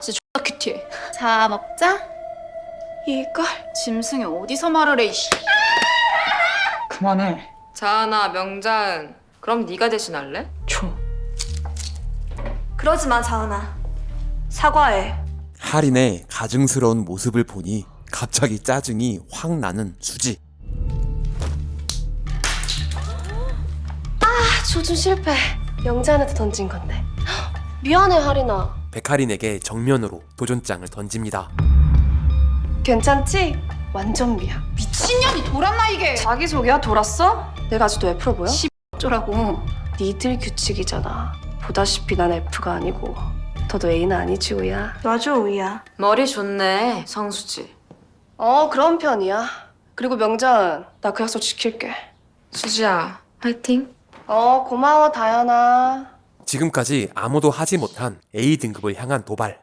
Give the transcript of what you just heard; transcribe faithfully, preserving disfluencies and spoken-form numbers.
진짜 X나 큐티해. 자, 먹자. 이걸 짐승이 어디서 말을 해, 이씨. 그만해. 자은아, 명자은. 그럼 네가 대신할래? 줘. 그러지 마, 자은아. 사과해. 할인의 가증스러운 모습을 보니 갑자기 짜증이 확 나는 수지. 아, 조준 실패. 명자한테 던진 건데. 미안해, 할인아. 백할인에게 정면으로 도전장을 던집니다. 괜찮지? 완전 미안. 미친년이 돌았나, 이게. 자기소개야? 돌았어? 내가 아직도 F로 보여? 어쩌라고. 니들 규칙이잖아. 보다시피 난 F가 아니고 너도 A는 아니지, 우야. 놔줘, 우이야. 머리 좋네, 성수지. 어, 그런 편이야. 그리고 명자은, 나 그 약속 지킬게. 수지야, 화이팅. 어, 고마워, 다현아. 지금까지 아무도 하지 못한 A 등급을 향한 도발.